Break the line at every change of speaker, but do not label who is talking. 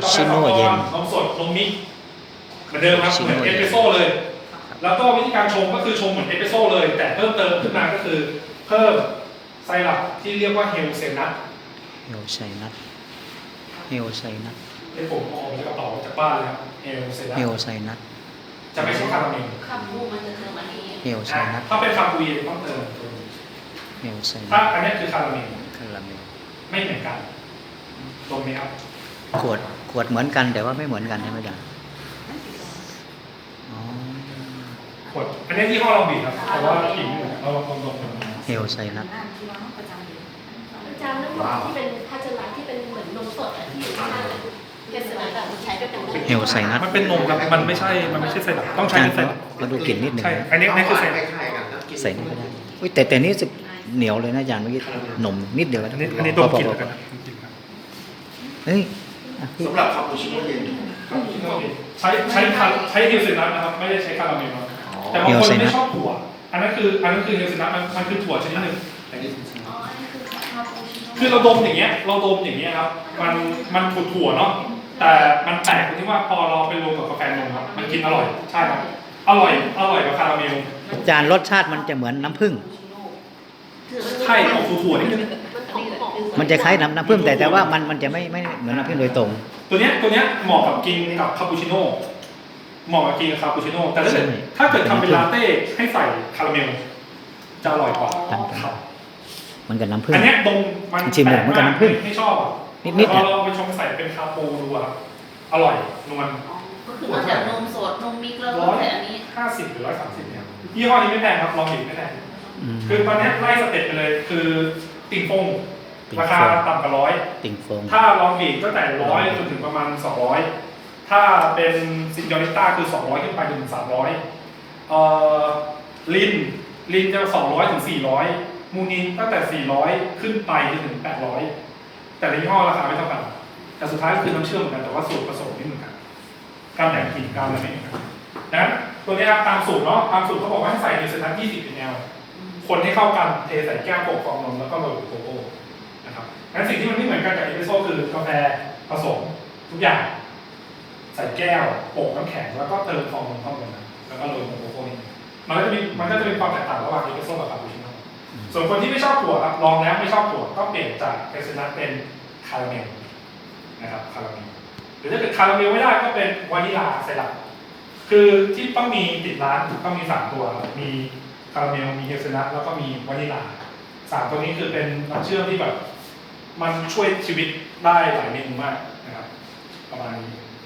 กาแฟสดนมสดนมมิกเหมือนเดิมครับเหมือนเอสเปรสโซ่เลยแล้วก็วิธีการชงก็คือชงเหมือนเอสเปรสโซ่เลยแต่เพิ่มเติมขึ้นมาก็คือเพิ่มไซรัปที่เรียกว่าเฮลเซนัท
เฮลไซนัท
ที่ผมเอาออกจากกระเป๋าจากบ้านเลยครับเฮลเซนัทจะไม่ใช่คาราเมล
คำพูดมันจะเติมอันนี้
เฮลไซนัท
ถ้าเป็นคาปูยีต้องเติม
เฮลไซนัท
ถ้าอันนี้คือคาราเมลไม่เหมือนกันตรงนี้ครับ
ขวดเหมือนกันแต่ว่าไม่เหมือนกันใช่ไหมจ๊ะ
ขวดอันนี้ที่ห้อเราบีบครับแต่ว่ากินเราลอง
เฮลไซนัท
อาจารย์น้ำหอมที่เป็นพัชระที่เป็นเหมือนนมสดที่อยู่ข้างเกสรแบบใช้ด้วยกันได้
เฮลไซนัท
มันเป็นนมครับมันไม่ใช่ไซรัปต้องใช้ไซรัป
มาดูกลิ่นนิดหนึ่ง
ใช่อันนี้คือไซรัป
ใส่นี่ก็ได้แต่นี่จะเหนียวเลยนะอาจารย์เมื่อกี้หนมนิดเดียว
อันนี้ดมกลิ่นกันนะ
เฮ้ย
สำหรับคาปูชิโน่เย็น
ใช้เฮลเซนัทนะครับไม่ได้ใช้คาราเมลแต่บางคนไม่ชอบถั่วอันนั้นคือเฮลเซนัทมันคือถั่วชนิดหนึ่งคือเราดมอย่างเงี้ยครับมันถั่วเนาะแต่มันแปลกตรงที่ว่าพอเราไปรวมกับกาแฟนมครับมันกินอร่อยใช่ครับอร่อยกว่าคาราเมล
อาจารย์รสชาติมันจะเหมือนน้ำผึ้ง
ใช่ออกถั่วนิดนึง
มันจะคล้ายน้ำผึ้งแต่ว่ามันจะไม่เหมือนน้ำผึ้งโดยตรง
ตัวเนี้ยเหมาะกับกินกับคาปูชิโน่แต่ถ้าเกิดทำเป็นลาเต้ให้ใส่คาราเมลจะอร่อยกว่า
มันกับน้ำผึ้ง
อันนี้ตรงมัน
ชิมเหมือนกับน้ำผึ้ง
ไม่ชอบ
นิด
พอเราไปชงใส่เป็นคาปูดูอ่ะอร่อยนวล
ก็คือนอกจากนมสดนมมิกแล้วก็ใส่อันนี้
50หรือ130เนี่ยยี่ห้อนี้ไม่แพงครับลองดิไม่แพงคือตอนนี้ไล่สเต็ปไปเลยคือติ่งฟงราคาต่ำกว่า100
ติ่งฟง
ถ้าลองดิก็แต่100จนถึงประมาณ200ถ้าเป็นซินยอริต้าคือ200ขึ้นไปถึง300ลินจะ200ถึง400มูนินตั้งแต่400ขึ้นไปจนถึง800แต่ละยี่ห้อราคาไม่เท่ากันแต่สุดท้ายก็คือน้ำเชื่อมเหมือนกันแต่ว่าสูตรผสมไม่เหมือนกันการแต่งกลิ่นการอะไรไม่เหมือนกันนะตัวนี้ครับตามสูตรเนาะตามสูตรเขาบอกว่าให้ใส่ในเซนัท20 ml คนให้เข้ากันเทใส่แก้วโปะฟองนมแล้วก็โรยโกโก้นะครับงั้นสิ่งที่มันไม่เหมือนกันกับเอสเปรสโซ่คือกาแฟผสมทุกอย่างใส่แก้วโปะน้ำแข็งแล้วก็เติมฟองนมเข้าไปนะแล้วก็โรยโกโก้นี่มันก็จะเป็นความแตกต่างระหว่างเอสเปรสโซ่กับคาปูชิโน่ส่วนคนที่ไม่ชอบถั่วครับลองแล้วไม่ชอบถั่วก็เปลี่ยนจากเอสเปรสโซ่เป็นคาราเมลนะครับคาราเมลหรือถ้าเกิดคาราเมลไม่ได้ก็เป็นวานิลาไซรัปคือที่ต้องมีติดร้านต้องมี3ตัวมีคาราเมลมีเฮลเซนัทแล้วก็มีวานิลา3ตัวนี้คือเป็นน้ำเชื่อมที่แบบมันช่วยชีวิตได้หลายเมนูมากนะครับประมาณนี้